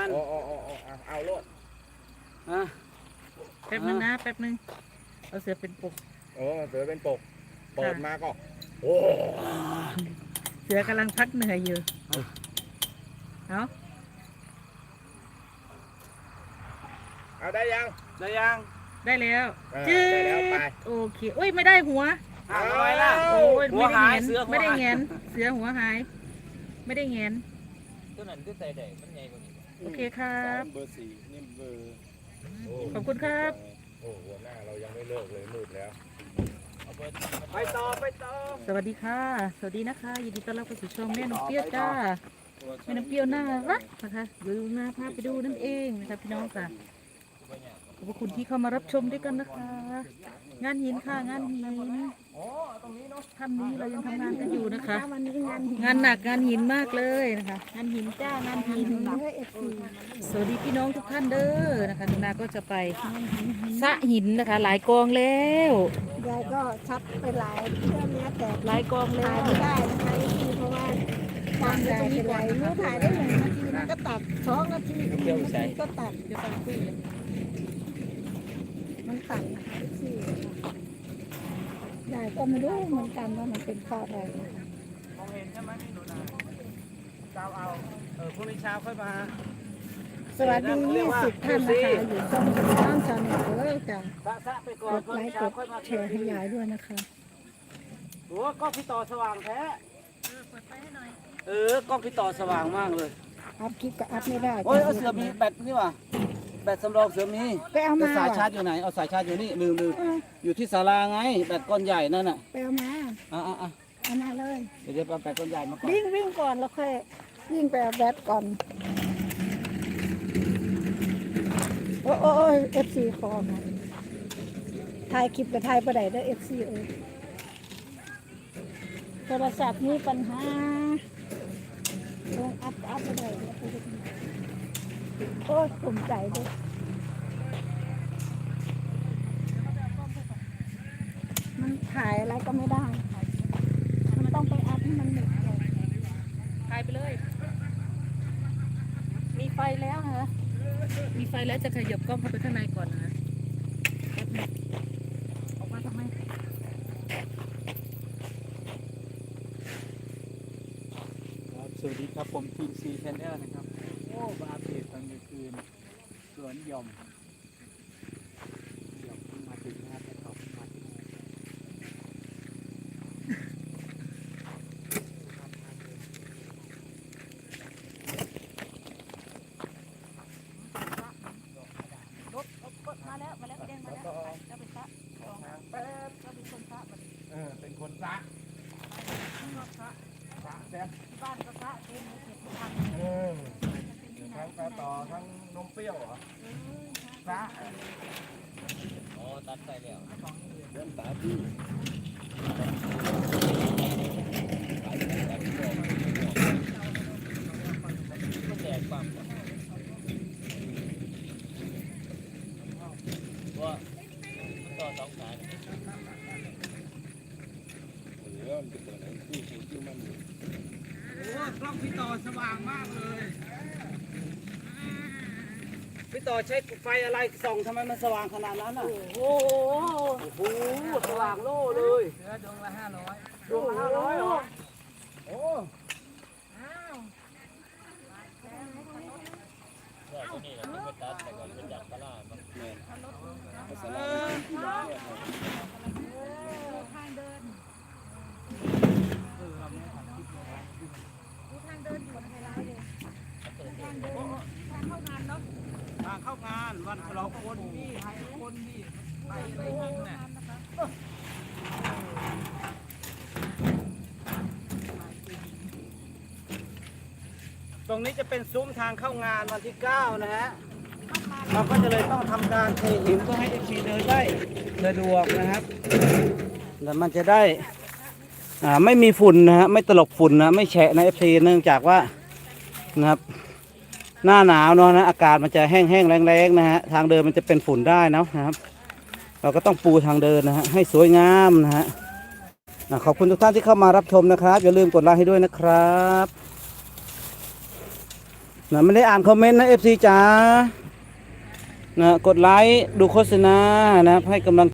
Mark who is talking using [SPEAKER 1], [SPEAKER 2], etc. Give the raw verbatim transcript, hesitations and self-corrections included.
[SPEAKER 1] โอ้โอ้โอ้เอาเอาโลด
[SPEAKER 2] อ่ะ
[SPEAKER 3] แป๊บนึงนะแป๊บนึงเอาเสือเป็นปก
[SPEAKER 1] เออเสือเป็นปกเปิดมาก็โอ้
[SPEAKER 3] เสือกำลังพักเหนื่อยอยู่เอา
[SPEAKER 1] เอาได้ยัง
[SPEAKER 2] ได้ยัง
[SPEAKER 3] ได้แล้ว
[SPEAKER 1] เออ
[SPEAKER 3] จื
[SPEAKER 1] ได้แล้วไป
[SPEAKER 3] ดโอเคโอ้ยไม่ได้หัว
[SPEAKER 2] อ่ะทำไมล่ะ
[SPEAKER 3] โอ้ย
[SPEAKER 2] หัว
[SPEAKER 3] ไม่ได้
[SPEAKER 2] หาย
[SPEAKER 3] แงน
[SPEAKER 2] เสือหัว
[SPEAKER 3] ไม่ได้
[SPEAKER 2] หาย
[SPEAKER 3] แงนเสือหัวหาย ไม่ได้แงน
[SPEAKER 4] ตัวนั้นคือใส่ได้มันใหญ่กว่านี้
[SPEAKER 3] โอเคครับ
[SPEAKER 5] เบอร์สี่นี่เบอร์
[SPEAKER 1] โอ้
[SPEAKER 3] ขอบคุณครับ
[SPEAKER 1] โอ้หัวหน้าเรายังไม่เลิกเลยมืดแล้ว
[SPEAKER 4] เอาเบิด
[SPEAKER 2] ไปต่อไปต่อ
[SPEAKER 3] สวัสดีค่ะ สวัสดีนะคะยินดีต้อนรับเข้าสู่ช่องแม่น้ำเปรี้ยวจ้าแม่น้ำเปรี้ยวน่ารักนะคะดูหน้าพาไปดูนั่นเองนะคะพี่น้องค่ะขอบคุณที่เข้ามารับชมด้วยกันนะคะ งานหินค่ะงานหินท่านนี้เรายังทำงานกันอยู่นะคะ
[SPEAKER 6] วันนี้งานหิน
[SPEAKER 3] งานหนักงานหินมากเลยนะคะงานหินจ้างานหิน
[SPEAKER 6] เพื่อเอฟซี
[SPEAKER 3] สวัสดีพี่น้องทุกท่านเด้อนะคะนาก็จะไปสระหินนะคะ หลายกองแล้ว
[SPEAKER 6] ยายก็ชัดไปหลายเพื่อนเนี้ยแต่
[SPEAKER 3] หลายกองแล้
[SPEAKER 6] ถ่ายว ไม่ได้นะคะเอฟซีเพราะว่าทางยายเป็นไรรู้ถ่ายได้หนึ่งนาทีแล้วก็ตัดสองนาทีหนึ่งนาทีก็ตัด
[SPEAKER 3] เดี๋ยวฟังคุยเลย
[SPEAKER 6] มันตัดนะคะเอฟซียายก็ไม่รู้เหมือนกันว่ามันเป็นข้ออะไรนะคะ
[SPEAKER 2] มองเห็นใช่ไหมนี่หนูนาเช้าเอาเออพรุ่งนี้เช้าค่อยมา
[SPEAKER 6] สวัสดียี่สิบท่านนะคะอยู่ช่องช่องชาแนลเออจ้ะ
[SPEAKER 2] สะสะไปก่อก น
[SPEAKER 6] ดไลค์กดแชร์ให้ยายด้วยนะคะ
[SPEAKER 2] โอ้กล้องพี่ต่อสว่างแท้เออกล้องพี่ต่อสว่างมากเลย
[SPEAKER 6] อัพคลิปก็อัพไม่ได้
[SPEAKER 2] โอ้ยเอาเสือมีแบตนี่ว่ะแบตสำรองเสือมี
[SPEAKER 6] ไปเอา
[SPEAKER 2] แต่
[SPEAKER 6] มา
[SPEAKER 2] สาย
[SPEAKER 6] ว่ะ
[SPEAKER 2] ชาร์จอยู่ไหนเอาสายชาร์จอยู่นี่ลืมลืม
[SPEAKER 6] เออ
[SPEAKER 2] อยู่ที่ศาลาไงแบตก้อนใหญ่นั่นน่ะ
[SPEAKER 6] ไปเอามา
[SPEAKER 2] อ่ะอ่ะอ่ะ
[SPEAKER 6] เอามาเลย
[SPEAKER 2] เดี๋ยวเดี๋ยวเอาแบตก้อนใหญ่มาก่อน
[SPEAKER 6] วิ่งวิ่งก่อนแล้วค่อยวิ่งไปเอาแบตก่อน โอ้โอ้เอฟซีคอมาถ่ายคลิปกับถ่ายประเดี๋ยวเอฟซีเออโทรศัพท์มีปัญหาลงอัพอัพประเดี๋ยวโอ้ยภูมิใจด้วยมันถ่ายอะไรก็ไม่ได้ มันต้องไปอัพให้มันหมดก่อน
[SPEAKER 3] ถ่ายไปเลย มีไฟแล้วนะคะมีไฟแล้วจะขยับกล้องเข้าไปข้างในก่อนนะแป๊บนึงออกมาทำไม
[SPEAKER 5] ครับสวัสดีครับผมทีมซีแคนเดอร์นะครับโอ้มาอัปเดตตอนกลางคืนสวนหย่อมหย่อมเพิ่งมาถึงนะครับแต่เขาเพิ่งมาถึง
[SPEAKER 3] รถรถรถมาแล้วมาแล้วแดงมาแล้วจะไปสระแป๊บจะเป็นคนสระบัดนี้
[SPEAKER 1] เออเป็นคนซะ
[SPEAKER 3] สระ
[SPEAKER 1] ซะแซ่บ
[SPEAKER 3] ที่บ้านก็สระเต็มเลยเก็บทุกคัน
[SPEAKER 1] เออทั้งกระต่อทั้งนมเปรี้ยวเหรอซะ
[SPEAKER 4] อ๋อตัดใส่แล้ว
[SPEAKER 1] เริ่มตาพี่
[SPEAKER 4] มันแดกปั๊มว่ามันต่อสองสาย
[SPEAKER 1] เหลือมันเป็นตัวไหนที่ที่ที่มัน
[SPEAKER 2] โอ้กล้องพี่ต่อสว่างมากเลยพี่ต่อใช้ไฟอะไรส่องทำไมมันสว่างขนาดนั้นอ่ะ
[SPEAKER 3] โอ้โห
[SPEAKER 2] โอ้โหสว่างโล่เลย
[SPEAKER 3] เหลือดวงละห้าร้อย
[SPEAKER 2] ดวงละห้าร้อยเหรอโอ้
[SPEAKER 4] ว่าตัวนี้เราไปตัดแต่ก่อนเป็นจากตลาดมัน
[SPEAKER 2] เออ ทางเข้างานวันฉลองคนพี่ให้คนพี่ไปไปนั่งเนี่ยตรงนี้จะเป็นซุ้มทางเข้างานวันที่เก้านะฮะเราก็จะเลยต้องทำการเทหินเพื่อให้เอฟซีเดินได้สะดวกนะครับแล้วมันจะได้อ่าไม่มีฝุ่นนะฮะไม่ตลบฝุ่นนะไม่แฉะนะเอฟซีเนื่องจากว่านะครับหน้าหนาวเนาะนะอากาศมันจะแห้งๆแรงๆนะฮะทางเดินมันจะเป็นฝุ่นได้เนาะนะครับ เราก็ต้องปูทางเดินนะฮะให้สวยงามนะฮะอ่ะขอบคุณทุกท่านที่เข้ามารับชมนะครับอย่าลืมกดไลค์ให้ด้วยนะครับนะไม่ได้อ่านคอมเมนต์นะเอฟซีจ๋านะกดไลค์ดูโฆษณานะให้กำลัง